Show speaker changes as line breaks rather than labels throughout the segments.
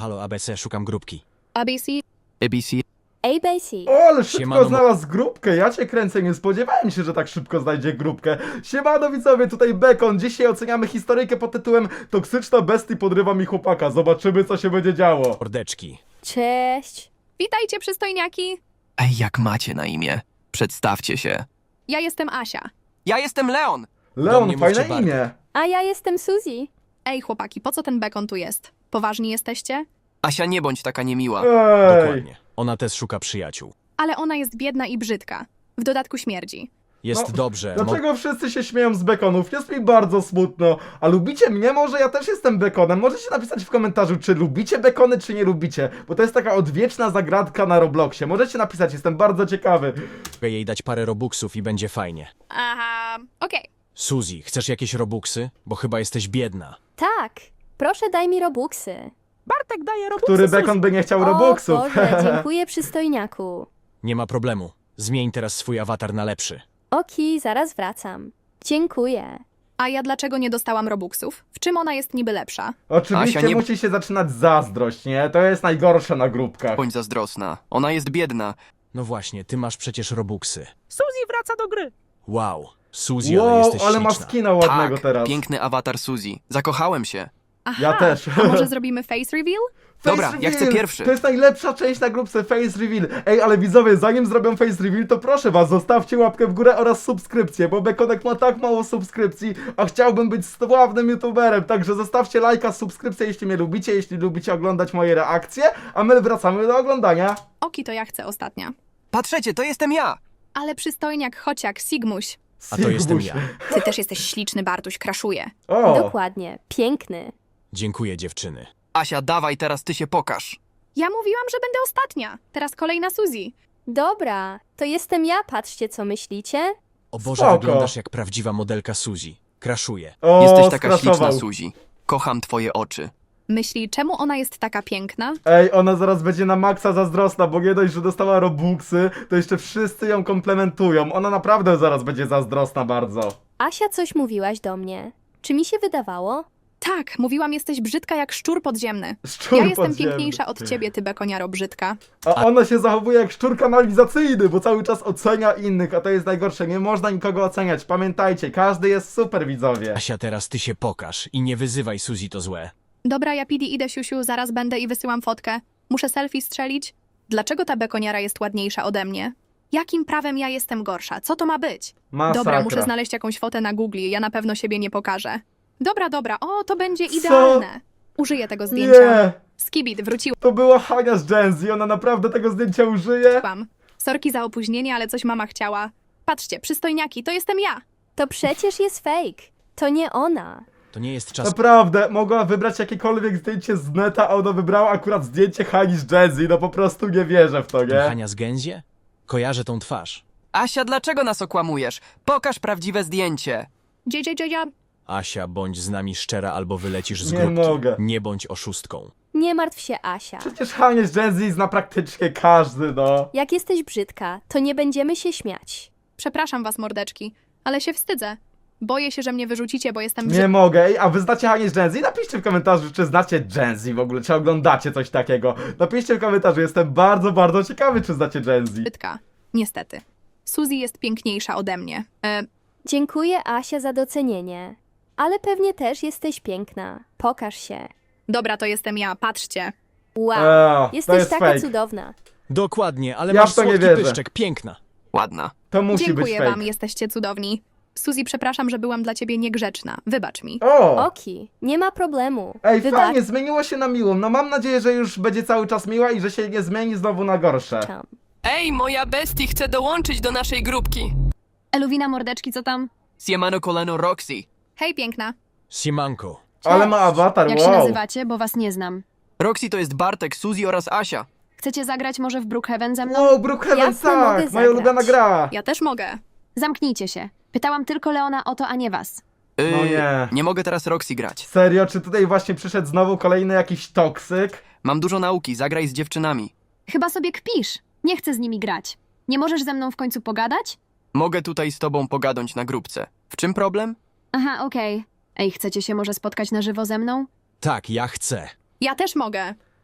halo, ABC, szukam grupki.
ABC.
ABC.
ABC.
O, ale szybko
Siemano,
znalazł grupkę, ja cię kręcę, nie spodziewałem się, że tak szybko znajdzie grupkę. Siemano widzowie, tutaj Bekon, dzisiaj oceniamy historyjkę pod tytułem Toksyczna bestia podrywa mi chłopaka, zobaczymy co się będzie działo.
Mordeczki.
Cześć.
Witajcie, przystojniaki.
Ej, jak macie na imię? Przedstawcie się.
Ja jestem Asia.
Ja jestem Leon.
Do
Leon,
mnie
fajne
mówcie
imię.
A ja jestem Suzy.
Ej, chłopaki, po co ten bekon tu jest? Poważni jesteście?
Asia, nie bądź taka niemiła.
Ej,
Dokładnie. Ona też szuka przyjaciół.
Ale ona jest biedna i brzydka. W dodatku śmierdzi.
Jest
No,
dobrze.
dlaczego wszyscy się śmieją z Bekonów? Jest mi bardzo smutno. A lubicie mnie? Może ja też jestem Bekonem. Możecie napisać w komentarzu, czy lubicie Bekony, czy nie lubicie. Bo to jest taka odwieczna zagadka na Robloxie. Możecie napisać, jestem bardzo ciekawy.
Mogę jej dać parę robuxów i będzie fajnie.
Aha, okej.
Suzy, chcesz jakieś robuxy? Bo chyba jesteś biedna.
Tak. Proszę daj mi robuxy.
Bartek daje robuxy
Który
Suzy.
Bekon by nie chciał
O
Robuxów?
Boże, dziękuję przystojniaku.
Nie ma problemu. Zmień teraz swój awatar na lepszy.
Oki, zaraz wracam. Dziękuję.
A ja dlaczego nie dostałam robuxów? W czym ona jest niby lepsza?
Oczywiście
Asia, nie-
musi się zaczynać zazdrość, nie? To jest najgorsze na grupkach.
Bądź zazdrosna. Ona jest biedna.
No właśnie, ty masz przecież robuxy.
Suzy wraca do gry.
Wow, Suzy, ale
Wow,
jesteś
ale ma
śliczna.
skina ładnego
Tak,
teraz.
piękny awatar Suzy. Zakochałem się.
Aha,
Ja też.
A może zrobimy face reveal?
Dobra,
Face
ja chcę
reveal!
pierwszy.
To jest najlepsza część na grupce Face Reveal. Ej, ale widzowie, zanim zrobią Face Reveal, to proszę was, zostawcie łapkę w górę oraz subskrypcję, bo Bekonek ma tak mało subskrypcji, a chciałbym być sławnym youtuberem, także zostawcie lajka, subskrypcję, jeśli mnie lubicie, jeśli lubicie oglądać moje reakcje, a my wracamy do oglądania.
Oki, to ja chcę ostatnia.
Patrzcie, to jestem ja.
Ale przystojniak, chociak, Sigmuś.
A to jestem
Sigmuś.
ja.
Ty też jesteś śliczny, Bartuś, kraszuje.
O,
Dokładnie. Piękny.
Dziękuję, dziewczyny.
Asia, dawaj, teraz ty się pokaż.
Ja mówiłam, że będę ostatnia. Teraz kolejna Suzy.
Dobra, to jestem ja, patrzcie co myślicie.
O Boże,
Spoko.
wyglądasz jak prawdziwa modelka Suzy. Kraszuję.
o,
Jesteś taka
skraszował.
śliczna, Suzy. Kocham twoje oczy.
Myśli, czemu ona jest taka piękna?
Ej, ona zaraz będzie na maksa zazdrosna, bo nie dość, że dostała robuxy, to jeszcze wszyscy ją komplementują. Ona naprawdę zaraz będzie zazdrosna bardzo.
Asia, coś mówiłaś do mnie. Czy mi się wydawało?
Tak, mówiłam, jesteś brzydka jak szczur podziemny.
Szczur
Ja jestem
podziemny.
piękniejsza od ciebie, ty bekoniaro brzydka.
A ona się zachowuje jak szczur kanalizacyjny, bo cały czas ocenia innych, a to jest najgorsze. Nie można nikogo oceniać. Pamiętajcie, każdy jest super, widzowie.
Asia, teraz ty się pokaż i nie wyzywaj Suzy, to złe.
Dobra, ja Pidi idę, siusiu, zaraz będę i wysyłam fotkę. Muszę selfie strzelić. Dlaczego ta bekoniara jest ładniejsza ode mnie? Jakim prawem ja jestem gorsza? Co to ma być?
Masakra.
Dobra, muszę znaleźć jakąś fotę na Google, ja na pewno siebie nie pokażę. Dobra, o, to będzie idealne. Użyję tego zdjęcia.
Nie,
Skibid, wróciłam.
to była Hania z Gen Z, ona naprawdę tego zdjęcia użyje?
Sorki za opóźnienie, ale coś mama chciała. Patrzcie, przystojniaki, to jestem ja.
To przecież jest fake. To nie ona.
To nie jest czas.
Naprawdę, mogła wybrać jakiekolwiek zdjęcie z neta, a ona wybrała akurat zdjęcie Hani z Gen Z, no po prostu nie wierzę w to, nie?
Hania z Gęzie? Kojarzę tą twarz.
Asia, dlaczego nas okłamujesz? Pokaż prawdziwe zdjęcie.
JJ.
Asia, bądź z nami szczera albo wylecisz z
Nie
grupki.
mogę.
Nie bądź oszustką.
Nie martw się, Asia.
Przecież Hanie z Gen Z zna praktycznie każdy, no.
Jak jesteś brzydka, to nie będziemy się śmiać.
Przepraszam was, mordeczki, ale się wstydzę. Boję się, że mnie wyrzucicie, bo jestem
Nie mogę. Ej, a wy znacie Hanie z Gen Z? Napiszcie w komentarzu, czy znacie Gen Z w ogóle, czy oglądacie coś takiego. Napiszcie w komentarzu, jestem bardzo, bardzo ciekawy, czy znacie Gen Z.
brzydka. Niestety. Suzy jest piękniejsza ode mnie.
Dziękuję, Asia, za docenienie. Ale pewnie też jesteś piękna. Pokaż się.
Dobra, to jestem ja, patrzcie.
Wow,
to
jesteś
jest
taka
fake.
cudowna.
Dokładnie, ale
Ja
masz
w to nie
słodki
wierzę.
pyszczek, piękna.
Ładna.
To musi być
Dziękuję
fake.
wam, jesteście cudowni. Suzy, przepraszam, że byłam dla ciebie niegrzeczna. Wybacz mi.
O!
Oki, nie ma problemu.
Ej,
Wybacz.
fajnie, zmieniło się na miłą. No mam nadzieję, że już będzie cały czas miła i że się nie zmieni znowu na gorsze.
Ej, moja bestii chce dołączyć do naszej grupki.
Eluwina, mordeczki, co tam?
Siemano kolano Roxy.
Hej, piękna.
Siemanko.
Ale ma awatar,
Jak
wow.
się nazywacie, bo was nie znam.
Roxy to jest Bartek, Suzy oraz Asia.
Chcecie zagrać może w Brookhaven ze mną?
Wow, Brookhaven,
Jasne, mogę
tak, moja
zagrać.
ulubiona gra.
Ja też mogę.
Zamknijcie się. Pytałam tylko Leona o to, a nie was.
No nie.
Nie mogę teraz Roxy grać.
Serio, czy tutaj właśnie przyszedł znowu kolejny jakiś toksyk?
Mam dużo nauki, zagraj z dziewczynami.
Chyba sobie kpisz. Nie chcę z nimi grać. Nie możesz ze mną w końcu pogadać?
Mogę tutaj z tobą pogadać na grupce. W czym problem?
Aha, okej. Ej, chcecie się może spotkać na żywo ze mną?
Tak, ja chcę.
Ja też mogę.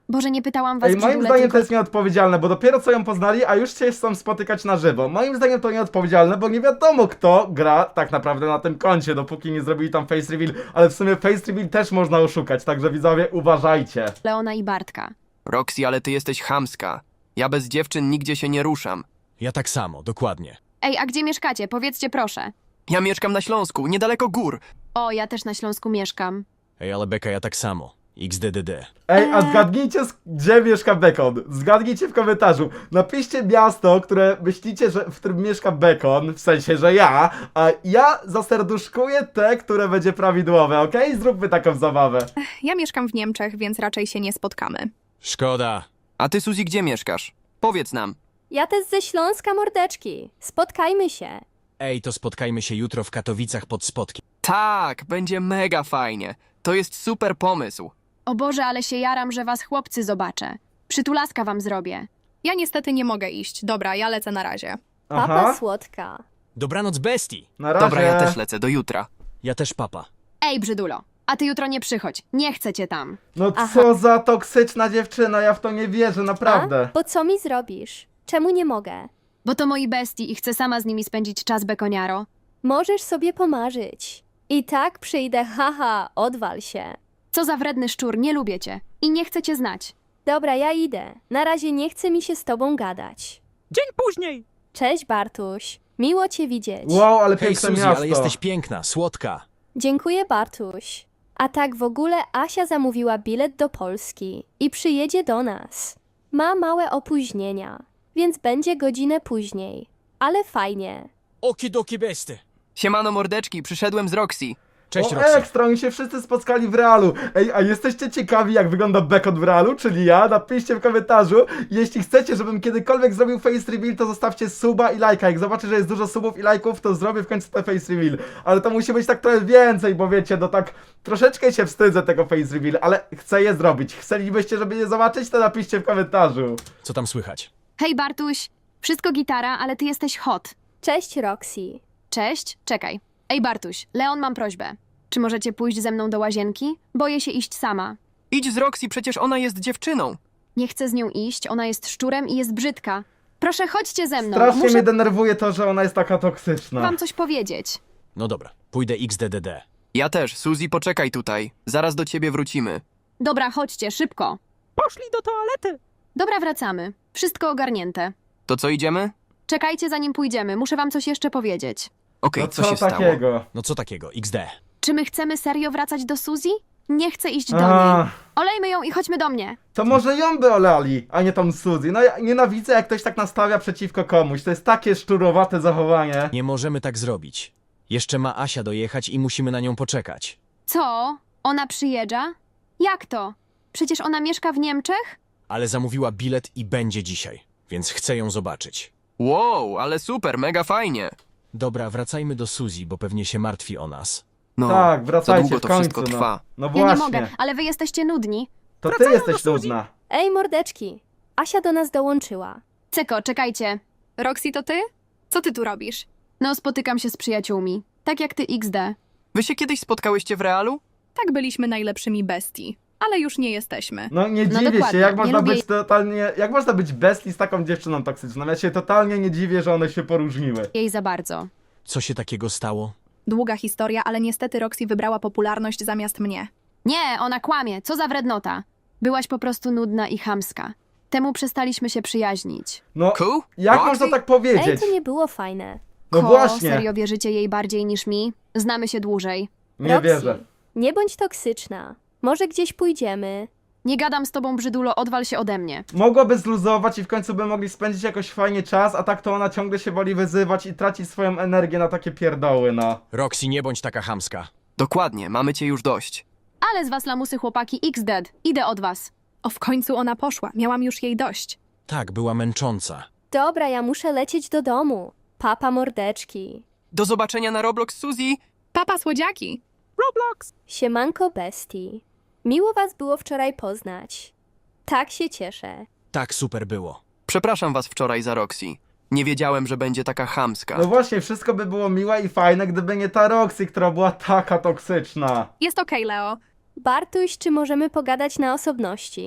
Boże, nie pytałam was,
Ej, moim
Brzydule,
zdaniem
tylko...
to jest nieodpowiedzialne, bo dopiero co ją poznali, a już się chcą spotykać na żywo. Moim zdaniem to nieodpowiedzialne, bo nie wiadomo kto gra tak naprawdę na tym koncie, dopóki nie zrobili tam face reveal, ale w sumie face reveal też można oszukać, także widzowie uważajcie.
Leona i Bartka.
Roxy, ale ty jesteś chamska. Ja bez dziewczyn nigdzie się nie ruszam.
Ja tak samo, dokładnie.
Ej, a gdzie mieszkacie? Powiedzcie proszę.
Ja mieszkam na Śląsku, niedaleko gór.
O, ja też na Śląsku mieszkam.
Ej, ale Beka, ja tak samo. XDDD.
Ej, a zgadnijcie, gdzie mieszka Bekon. Zgadnijcie w komentarzu. Napiszcie miasto, które myślicie, że w którym mieszka Bekon, w sensie, że ja, a ja zaserduszkuję te, które będzie prawidłowe, okej? Zróbmy taką zabawę.
Ja mieszkam w Niemczech, więc raczej się nie spotkamy.
Szkoda.
A ty, Suzy, gdzie mieszkasz? Powiedz nam.
Ja też ze Śląska, mordeczki. Spotkajmy się.
Ej, to spotkajmy się jutro w Katowicach pod Spodkiem.
Tak, będzie mega fajnie. To jest super pomysł.
O Boże, ale się jaram, że was chłopcy zobaczę. Przytulaska wam zrobię.
Ja niestety nie mogę iść. Dobra, ja lecę na razie.
Papa słodka.
Dobranoc bestii!
Na razie.
Dobra, ja też lecę, do jutra.
Ja też papa.
Ej, Brzydulo, a ty jutro nie przychodź. Nie chcę cię tam.
No
Aha.
co za toksyczna dziewczyna, ja w to nie wierzę, naprawdę.
A? Bo co mi zrobisz? Czemu nie mogę?
Bo to moi bestii i chcę sama z nimi spędzić czas, bekoniaro.
Możesz sobie pomarzyć. I tak przyjdę, haha, odwal się.
Co za wredny szczur, nie lubię cię. I nie chcę cię znać.
Dobra, ja idę. Na razie nie chce mi się z tobą gadać.
Dzień później.
Cześć, Bartuś. Miło cię widzieć.
Wow, ale
Hej
piękne
Suzy,
miasto.
ale jesteś piękna, słodka.
Dziękuję, Bartuś. A tak w ogóle Asia zamówiła bilet do Polski i przyjedzie do nas. Ma małe opóźnienia, więc będzie godzinę później. Ale fajnie.
Okidoki besty.
Siemano mordeczki, przyszedłem z Roxy.
Cześć
O,
Roxy.
ekstra, oni się wszyscy spotkali w realu. Ej, a jesteście ciekawi, jak wygląda Bekon w realu, czyli ja? Napiszcie w komentarzu. Jeśli chcecie, żebym kiedykolwiek zrobił face reveal, to zostawcie suba i lajka. Jak zobaczę, że jest dużo subów i lajków, to zrobię w końcu ten face reveal. Ale to musi być tak trochę więcej, bo wiecie, no tak troszeczkę się wstydzę tego face reveal, ale chcę je zrobić. Chcielibyście, żeby je zobaczyć, to napiszcie w komentarzu.
Co tam słychać?
Hej, Bartuś. Wszystko gitara, ale ty jesteś hot.
Cześć, Roxy.
Cześć, czekaj. Ej, Bartuś, Leon, mam prośbę. Czy możecie pójść ze mną do łazienki? Boję się iść sama.
Idź z Roxy, przecież ona jest dziewczyną.
Nie chcę z nią iść, ona jest szczurem i jest brzydka. Proszę, chodźcie ze mną.
Strasznie
Muszę
mnie denerwuje to, że ona jest taka toksyczna.
wam coś powiedzieć.
No dobra, pójdę XDDD.
Ja też, Suzy, poczekaj tutaj. Zaraz do ciebie wrócimy.
Dobra, chodźcie, szybko.
Poszli do toalety.
Dobra, wracamy. Wszystko ogarnięte.
To co, idziemy?
Czekajcie, zanim pójdziemy. Muszę wam coś jeszcze powiedzieć.
Okej,
No
co
co
się stało?
takiego?
No co takiego, XD.
Czy my chcemy serio wracać do Suzy? Nie chcę iść do
A,
niej. Olejmy ją i chodźmy do mnie.
to może ją by olali, a nie tą Suzy. No ja nienawidzę, jak ktoś tak nastawia przeciwko komuś. To jest takie szczurowate zachowanie.
Nie możemy tak zrobić. Jeszcze ma Asia dojechać i musimy na nią poczekać.
Co? Ona przyjeżdża? Jak to? Przecież ona mieszka w Niemczech?
Ale zamówiła bilet i będzie dzisiaj, więc chcę ją zobaczyć.
Wow, ale super, mega fajnie.
Dobra, wracajmy do Suzy, bo pewnie się martwi o nas.
No,
Tak, wracajcie
za długo
w
to
końcu,
wszystko trwa.
No
Ja
właśnie.
nie mogę, ale wy jesteście nudni.
To ty
Wracają
jesteś
do Suzy.
nudna.
Ej, mordeczki. Asia do nas dołączyła.
Ceko, czekajcie.
Roxy, to ty? Co ty tu robisz?
No, spotykam się z przyjaciółmi. Tak jak ty XD.
Wy się kiedyś spotkałyście w realu?
Tak byliśmy najlepszymi bestii, ale już nie jesteśmy.
No nie
No
dziwię się,
dokładnie,
jak
nie
można
lubię
być totalnie, jak można być bestii z taką dziewczyną toksyczną. Ja się totalnie nie dziwię, że one się poróżniły.
Jej za bardzo.
Co się takiego stało?
Długa historia, ale niestety Roxy wybrała popularność zamiast mnie.
Nie, ona kłamie. Co za wrednota. Byłaś po prostu nudna i chamska. Temu przestaliśmy się przyjaźnić.
No,
Cool?
jak
Roxy?
można tak
Ej,
powiedzieć?
to nie było fajne.
No właśnie,
Serio wierzycie jej bardziej niż mi? Znamy się dłużej.
nie
Roxy,
wierzę.
nie bądź toksyczna. Może gdzieś pójdziemy.
Nie gadam z tobą, Brzydulo, odwal się ode mnie.
Mogłaby zluzować i w końcu by mogli spędzić jakoś fajnie czas, a tak to ona ciągle się woli wyzywać i traci swoją energię na takie pierdoły, no.
Roxy, nie bądź taka chamska.
Dokładnie, mamy cię już dość.
Ale z was lamusy chłopaki XD. Idę od was.
O, w końcu ona poszła. Miałam już jej dość.
Tak, była męcząca.
Dobra, ja muszę lecieć do domu. Papa, mordeczki.
Do zobaczenia na Roblox, Suzy.
Papa słodziaki!
Roblox.
Siemanko, bestii. Miło was było wczoraj poznać. Tak się cieszę.
Tak, super było.
Przepraszam was wczoraj za Roxy. Nie wiedziałem, że będzie taka chamska.
No właśnie, wszystko by było miłe i fajne, gdyby nie ta Roxy, która była taka toksyczna.
Jest okej, Leo.
Bartuś, czy możemy pogadać na osobności?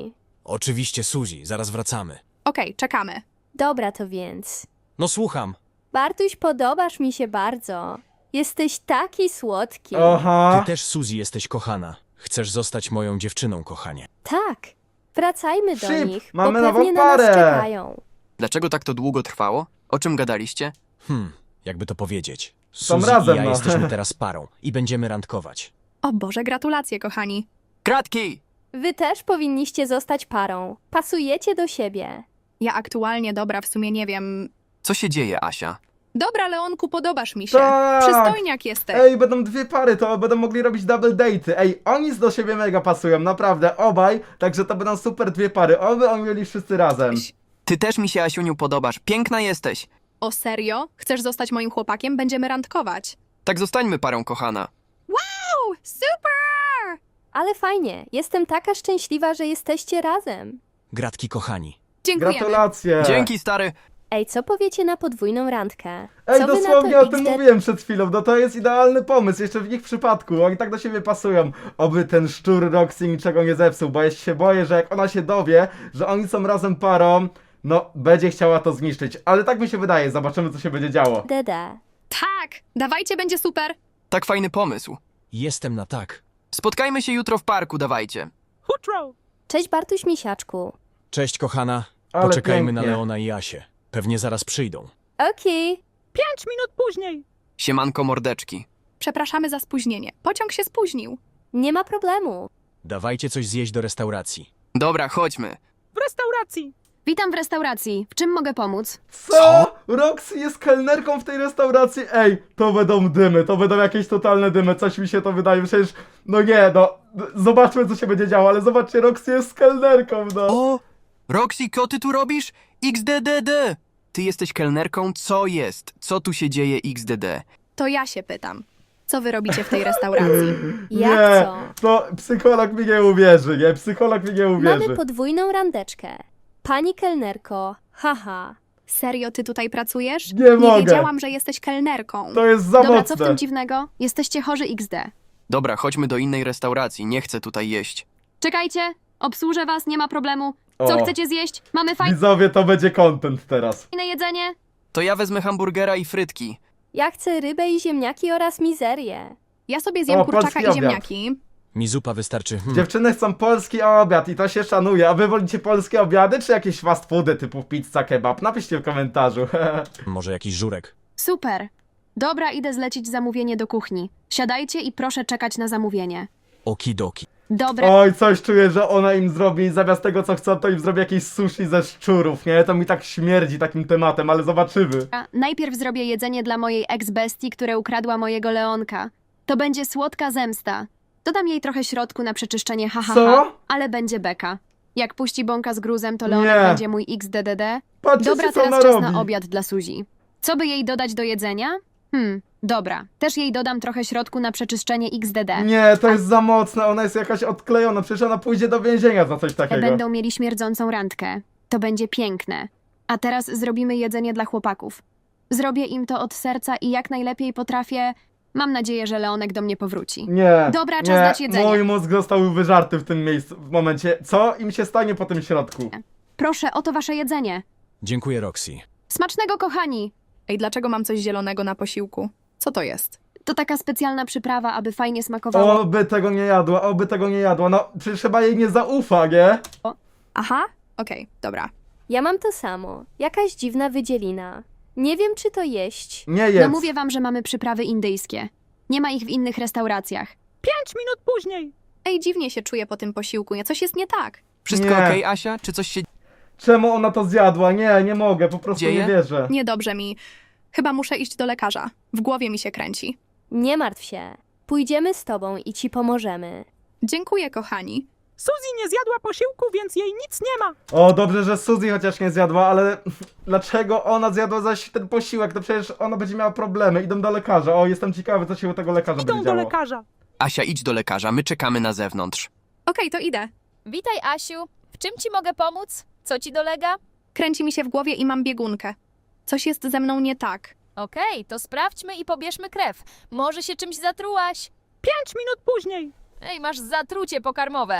Oczywiście, Suzy, zaraz wracamy.
Okej, czekamy.
Dobra to więc.
No słucham.
Bartuś, podobasz mi się bardzo. Jesteś taki słodki.
Aha.
Ty też, Suzy, jesteś kochana. Chcesz zostać moją dziewczyną, kochanie.
Tak. Wracajmy do
Szyb,
nich,
mamy
bo
nową
pewnie na nas
parę.
czekają.
Dlaczego tak to długo trwało? O czym gadaliście?
Jakby to powiedzieć.
Są
Suzy
razem,
i ja
no.
jesteśmy teraz parą i będziemy randkować.
O Boże, gratulacje, kochani.
Kratki!
Wy też powinniście zostać parą. Pasujecie do siebie.
Ja aktualnie, dobra, w sumie nie wiem.
Co się dzieje, Asia?
Dobra, Leonku, podobasz mi się.
Tak.
Przystojniak jesteś.
Ej, będą dwie pary, to będą mogli robić double date'y. Ej, oni do siebie mega pasują, naprawdę, obaj. Także to będą super dwie pary. Oby oni byli wszyscy razem.
Ty też mi się, Asiuniu, podobasz. Piękna jesteś.
O serio? Chcesz zostać moim chłopakiem? Będziemy randkować.
Tak zostańmy parą, kochana.
Wow, super!
Ale fajnie. Jestem taka szczęśliwa, że jesteście razem.
Gratki, kochani.
Dziękujemy.
Gratulacje.
Dzięki, stary.
Ej, co powiecie na podwójną randkę?
Ej,
Co wy na
dosłownie
to,
o tym
XD?
mówiłem przed chwilą, no to jest idealny pomysł, jeszcze w ich przypadku, oni tak do siebie pasują. Oby ten szczur Roxy niczego nie zepsuł, bo ja się boję, że jak ona się dowie, że oni są razem parą, no, będzie chciała to zniszczyć. Ale tak mi się wydaje, zobaczymy co się będzie działo.
Dede.
Tak, dawajcie, będzie super.
Tak fajny pomysł.
Jestem na tak.
Spotkajmy się jutro w parku, dawajcie.
Hutro!
Cześć Bartuś Misiaczku.
Cześć, kochana.
Ale
Poczekajmy na
pięknie.
Leona i Asię. Pewnie zaraz przyjdą.
Okej.
5 minut później.
Siemanko, mordeczki.
Przepraszamy za spóźnienie. Pociąg się spóźnił.
Nie ma problemu.
Dawajcie coś zjeść do restauracji.
Dobra, chodźmy.
W restauracji.
Witam w restauracji. W czym mogę pomóc?
Co? Roxy jest kelnerką w tej restauracji? Ej, to będą dymy, to będą jakieś totalne dymy, coś mi się to wydaje, przecież, no nie, no, zobaczmy co się będzie działo, ale zobaczcie, Roxy jest kelnerką, no.
O! Roxy, co ty tu robisz? XDDD! Ty jesteś kelnerką? Co jest? Co tu się dzieje, XDD?
To ja się pytam. Co wy robicie w tej restauracji?
Nie,
Jak co?
to psycholog mi nie uwierzy, nie, psycholog mi nie uwierzy.
Mamy podwójną randeczkę. Pani kelnerko. Haha.
Serio, ty tutaj pracujesz?
Nie mogę.
wiedziałam, że jesteś kelnerką.
To jest za
Dobra, co w
mocne.
tym dziwnego? Jesteście chorzy XD.
Dobra, chodźmy do innej restauracji, nie chcę tutaj jeść.
Czekajcie, obsłużę was, nie ma problemu. Co
O.
chcecie zjeść? Mamy fajne
Widzowie, to będzie content teraz.
jedzenie?
To ja wezmę hamburgera i frytki.
Ja chcę rybę i ziemniaki oraz mizerię.
Ja sobie zjem
O,
kurczaka
polski
i
obiad.
ziemniaki.
Mi zupa wystarczy.
Dziewczyny chcą polski obiad i to się szanuje, a wy wolicie polskie obiady czy jakieś fast foody typu pizza, kebab? Napiszcie w komentarzu.
Może jakiś żurek.
Super. Dobra, idę zlecić zamówienie do kuchni. Siadajcie i proszę czekać na zamówienie.
Okidoki.
Dobra,
Oj, coś czuję, że ona im zrobi, zamiast tego co chcą, to im zrobi jakieś sushi ze szczurów, nie? To mi tak śmierdzi takim tematem, ale zobaczymy.
najpierw zrobię jedzenie dla mojej ex-bestii, która ukradła mojego Leonka. To będzie słodka zemsta. Dodam jej trochę środku na przeczyszczenie,
Co?
ale będzie beka. Jak puści bąka z gruzem, to Leonek
Nie.
będzie mój XDDD.
Patrzcie,
Dobra,
co ona
teraz czas
robi.
na obiad dla Suzy. Co by jej dodać do jedzenia? Dobra. Też jej dodam trochę środku na przeczyszczenie XDD.
Nie, to jest za mocne, ona jest jakaś odklejona, przecież ona pójdzie do więzienia za coś takiego.
Będą mieli śmierdzącą randkę. To będzie piękne. A teraz zrobimy jedzenie dla chłopaków. Zrobię im to od serca i jak najlepiej potrafię. Mam nadzieję, że Leonek do mnie powróci.
Nie,
Dobra, czas
nie,
dać jedzenie.
mój mózg został wyżarty w tym miejscu, w momencie. Co im się stanie po tym środku?
Proszę, oto wasze jedzenie.
Dziękuję, Roxy.
Smacznego, kochani!
Ej, dlaczego mam coś zielonego na posiłku? Co to jest?
To taka specjalna przyprawa, aby fajnie smakowało.
Oby tego nie jadła, oby tego nie jadła, no przecież chyba jej nie zaufa, nie?
Aha, okej, dobra.
Ja mam to samo. Jakaś dziwna wydzielina. Nie wiem, czy to jeść.
Nie
No
jedz.
mówię wam, że mamy przyprawy indyjskie. Nie ma ich w innych restauracjach.
5 minut później.
Ej, dziwnie się czuję po tym posiłku, nie? Coś jest nie tak.
Wszystko
Nie.
okej, Asia? Czy coś się
Czemu ona to zjadła? Nie, nie mogę, po prostu
Dzieje?
nie wierzę.
Niedobrze mi. Chyba muszę iść do lekarza. W głowie mi się kręci.
Nie martw się. Pójdziemy z tobą i ci pomożemy.
Dziękuję, kochani.
Suzy nie zjadła posiłku, więc jej nic nie ma.
O, dobrze, że Suzy chociaż nie zjadła, ale dlaczego ona zjadła zaś ten posiłek? To przecież ona będzie miała problemy. Idą do lekarza. O, jestem ciekawy, co się u tego lekarza
Idą
będzie
do
działo.
lekarza.
Asia, idź do lekarza, my czekamy na zewnątrz.
Okej, to idę.
Witaj, Asiu. W czym ci mogę pomóc? Co ci dolega?
Kręci mi się w głowie i mam biegunkę. Coś jest ze mną nie tak.
Okej, to sprawdźmy i pobierzmy krew. Może się czymś zatrułaś?
5 minut później.
Ej, masz zatrucie pokarmowe.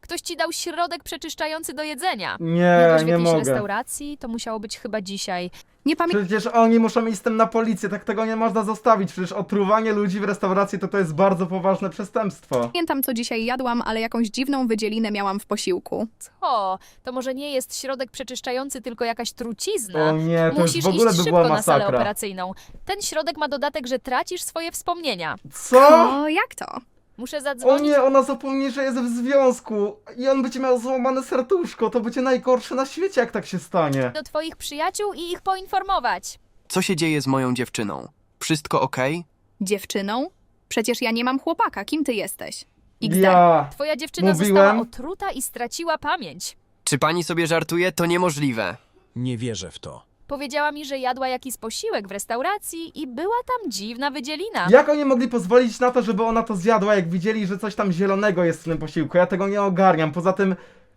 Ktoś ci dał środek przeczyszczający do jedzenia.
Nie,
Jadłeś w
nie
jakiejś
mogę.
restauracji? To musiało być chyba dzisiaj.
Nie pamiętam.
Przecież oni muszą iść z tym na policję, tak tego nie można zostawić. Przecież otruwanie ludzi w restauracji to jest bardzo poważne przestępstwo.
Pamiętam, co dzisiaj jadłam, ale jakąś dziwną wydzielinę miałam w posiłku.
Co? To może nie jest środek przeczyszczający, tylko jakaś trucizna.
O nie, to
Musisz
już w ogóle
iść
by
szybko
była
na salę
masakra.
operacyjną. Ten środek ma dodatek, że tracisz swoje wspomnienia.
Co?
O, jak to?
Muszę
O
zadzwonić.
nie, ona zapomni, że jest w związku i on będzie miał złamane serduszko. To będzie najgorsze na świecie, jak tak się stanie.
Do twoich przyjaciół i ich poinformować.
Co się dzieje z moją dziewczyną? Wszystko okej?
Dziewczyną? Przecież ja nie mam chłopaka, kim ty jesteś? XD.
Ja.
Twoja dziewczyna
Mówiłem.
została otruta i straciła pamięć.
Czy pani sobie żartuje? To niemożliwe.
Nie wierzę w to.
Powiedziała mi, że jadła jakiś posiłek w restauracji i była tam dziwna wydzielina.
Jak oni mogli pozwolić na to, żeby ona to zjadła, jak widzieli, że coś tam zielonego jest w tym posiłku? Ja tego nie ogarniam. Poza tym,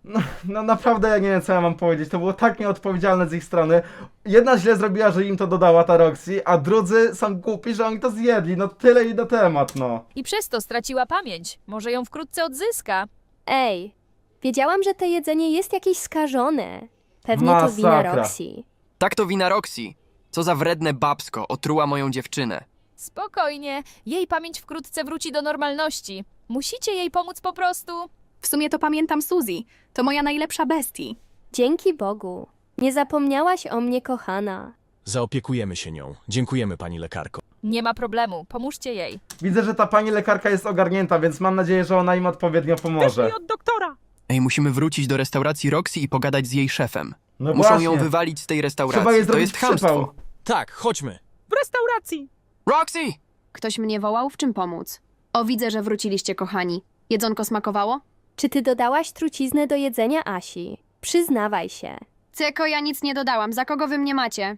no naprawdę ja nie wiem, co ja mam powiedzieć. To było tak nieodpowiedzialne z ich strony. Jedna źle zrobiła, że im to dodała ta Roxy, a drudzy są głupi, że oni to zjedli. No tyle i na temat, no.
I przez to straciła pamięć. Może ją wkrótce odzyska.
Ej, wiedziałam, że to jedzenie jest jakieś skażone. Pewnie to wina
Masakra.
Roxy.
Tak to wina Roxy. Co za wredne babsko, otruła moją dziewczynę.
Spokojnie, jej pamięć wkrótce wróci do normalności. Musicie jej pomóc po prostu.
W sumie to pamiętam Suzy. To moja najlepsza bestii.
Dzięki Bogu. Nie zapomniałaś o mnie, kochana.
Zaopiekujemy się nią. Dziękujemy, pani lekarko.
Nie ma problemu, pomóżcie jej.
Widzę, że ta pani lekarka jest ogarnięta, więc mam nadzieję, że ona im odpowiednio pomoże.
Wyszli od doktora.
Ej, musimy wrócić do restauracji Roxy i pogadać z jej szefem.
No
Muszą
właśnie.
ją wywalić z tej restauracji.
Trzeba jej
To
zrobić
jest
przypał.
chamstwo.
Tak, chodźmy.
W restauracji.
Roxy!
Ktoś mnie wołał? W czym pomóc? O, widzę, że wróciliście, kochani. Jedzonko smakowało?
Czy ty dodałaś truciznę do jedzenia Asi? Przyznawaj się.
Ceko, ja nic nie dodałam. Za kogo wy mnie macie?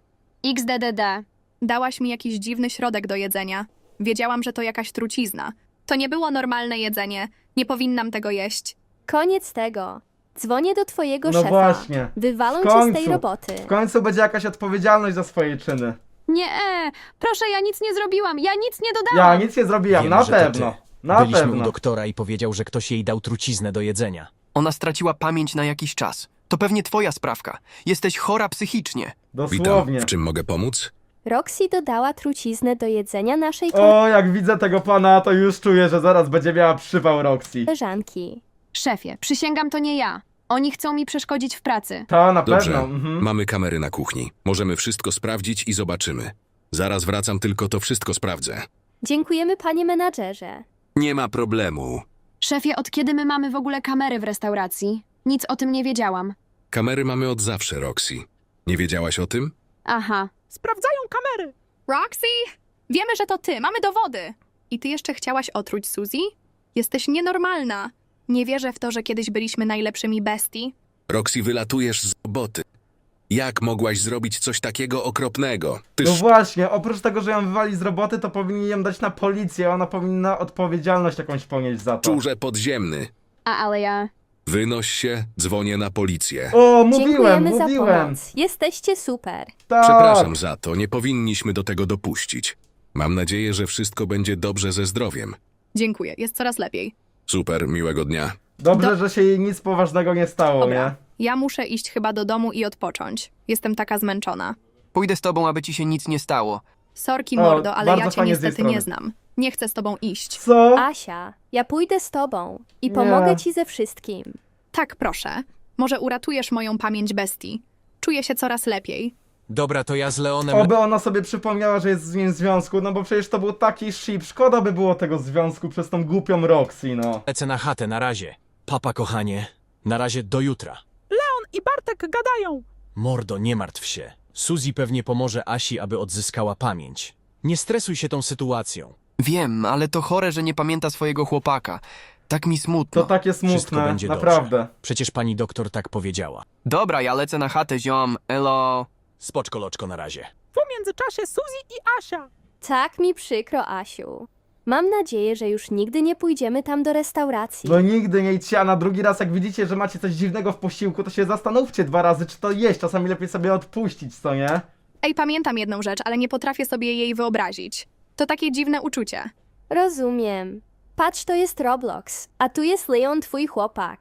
XDDD.
Dałaś mi jakiś dziwny środek do jedzenia. Wiedziałam, że to jakaś trucizna. To nie było normalne jedzenie. Nie powinnam tego jeść.
Koniec tego. Dzwonię do twojego
No
szefa.
właśnie.
Wywalą
W
cię z tej
końcu.
roboty.
W końcu będzie jakaś odpowiedzialność za swoje czyny.
Nie, proszę, ja nic nie zrobiłam. Ja nic nie dodałam.
Ja nic nie zrobiłam,
Wiemy,
na
że to
pewno.
ty.
Na
Byliśmy
pewno.
u doktora i powiedział, że ktoś jej dał truciznę do jedzenia.
Ona straciła pamięć na jakiś czas. To pewnie twoja sprawka. Jesteś chora psychicznie.
Dosłownie.
Witam, w czym mogę pomóc?
Roxy dodała truciznę do jedzenia naszej
O, jak widzę tego pana, to już czuję, że zaraz będzie miała przypał Roxy.
koleżanki.
Szefie, przysięgam, to nie ja. Oni chcą mi przeszkodzić w pracy.
Ta, na
Dobrze,
pewno. Mhm.
mamy kamery na kuchni. Możemy wszystko sprawdzić i zobaczymy. Zaraz wracam, tylko to wszystko sprawdzę.
Dziękujemy, panie menadżerze.
Nie ma problemu.
Szefie, od kiedy my mamy w ogóle kamery w restauracji? Nic o tym nie wiedziałam.
Kamery mamy od zawsze, Roxy. Nie wiedziałaś o tym?
Aha.
Sprawdzają kamery.
Roxy? Wiemy, że to ty. Mamy dowody. I ty jeszcze chciałaś otruć Suzy? Jesteś nienormalna. Nie wierzę w to, że kiedyś byliśmy najlepszymi bestii.
Roxy, wylatujesz z roboty. Jak mogłaś zrobić coś takiego okropnego? Ty
No właśnie, oprócz tego, że ją wywali z roboty, to powinni ją dać na policję. Ona powinna odpowiedzialność jakąś ponieść za to.
szczurze podziemny.
Ale ja...
Wynoś się, dzwonię na policję.
O,
Dziękujemy za
mówiłem.
pomoc. Jesteście super.
Tak.
Przepraszam za to, nie powinniśmy do tego dopuścić. Mam nadzieję, że wszystko będzie dobrze ze zdrowiem.
Dziękuję, jest coraz lepiej.
Super, miłego dnia.
Dobrze, że się jej nic poważnego nie stało,
Dobra,
nie?
ja muszę iść chyba do domu i odpocząć. Jestem taka zmęczona.
Pójdę z tobą, aby ci się nic nie stało.
Sorki,
O,
mordo, ale
bardzo
ja cię
fajnie z tej
niestety nie
strony.
znam. Nie chcę z tobą iść.
Co?
Asia, ja pójdę z tobą i
Nie.
pomogę ci ze wszystkim.
Tak, proszę. Może uratujesz moją pamięć bestii. Czuję się coraz lepiej.
Dobra, to ja z Leonem
Oby ona sobie przypomniała, że jest z nim w związku, no bo przecież to był taki ship. Szkoda by było tego związku przez tą głupią Roxy, no.
lecę na chatę na razie. Papa, kochanie. Na razie do jutra.
Leon i Bartek gadają.
Mordo, nie martw się. Suzy pewnie pomoże Asi, aby odzyskała pamięć. Nie stresuj się tą sytuacją.
Wiem, ale to chore, że nie pamięta swojego chłopaka. Tak mi smutno.
To takie
Wszystko
smutne,
będzie
naprawdę.
dobrze. Przecież pani doktor tak powiedziała.
Dobra, ja lecę na chatę, ziom. Elo.
Spoczko, loczko, na razie.
W międzyczasie Suzy i Asia.
Tak mi przykro, Asiu. Mam nadzieję, że już nigdy nie pójdziemy tam do restauracji.
No nigdy nie idźcie, a na drugi raz jak widzicie, że macie coś dziwnego w posiłku, to się zastanówcie 2 razy, czy to jeść. Czasami lepiej sobie odpuścić, co nie?
Ej, pamiętam jedną rzecz, ale nie potrafię sobie jej wyobrazić. To takie dziwne uczucie.
Rozumiem. Patrz, to jest Roblox, a tu jest Leon, twój chłopak.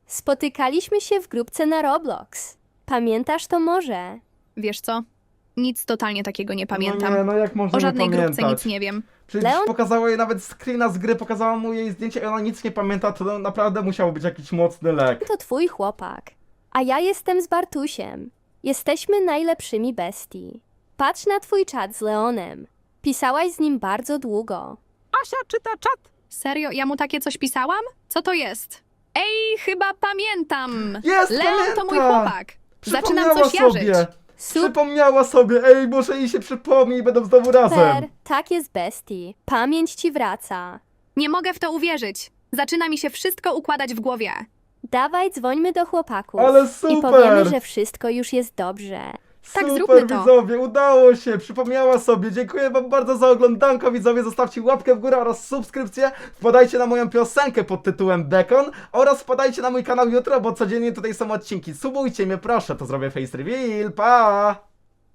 Spotykaliśmy się w grupce na Roblox. Pamiętasz to może?
Wiesz co? Nic totalnie takiego nie pamiętam.
No nie, no jak można
O żadnej
nie
grupce
pamiętać?
nic nie wiem.
Przecież
Leon-
pokazała jej nawet screena z gry, pokazała mu jej zdjęcie i ona nic nie pamięta, to naprawdę musiał być jakiś mocny lek.
To twój chłopak. A ja jestem z Bartusiem. Jesteśmy najlepszymi bestii. Patrz na twój czat z Leonem. Pisałaś z nim bardzo długo.
Asia czyta czat.
Serio, ja mu takie coś pisałam? Co to jest? Ej, chyba pamiętam!
Jest,
Leon to mój
pamięta!
chłopak! Zaczynam
Przypomniała
coś jarzyć.
sobie!
Super,
Przypomniała sobie! Ej, może jej się przypomni i będą znowu razem!
tak jest bestii. Pamięć ci wraca.
Nie mogę w to uwierzyć. Zaczyna mi się wszystko układać w głowie.
Dawaj, dzwońmy do chłopaków.
Ale
I
super!
powiemy, że wszystko już jest dobrze.
Tak,
Super,
zróbmy to.
widzowie, udało się, przypomniała sobie. Dziękuję wam bardzo za oglądanko, widzowie. Zostawcie łapkę w górę oraz subskrypcję. Wpadajcie na moją piosenkę pod tytułem Bekon oraz wpadajcie na mój kanał jutro, bo codziennie tutaj są odcinki. Subujcie mnie, proszę, to zrobię face reveal. Pa!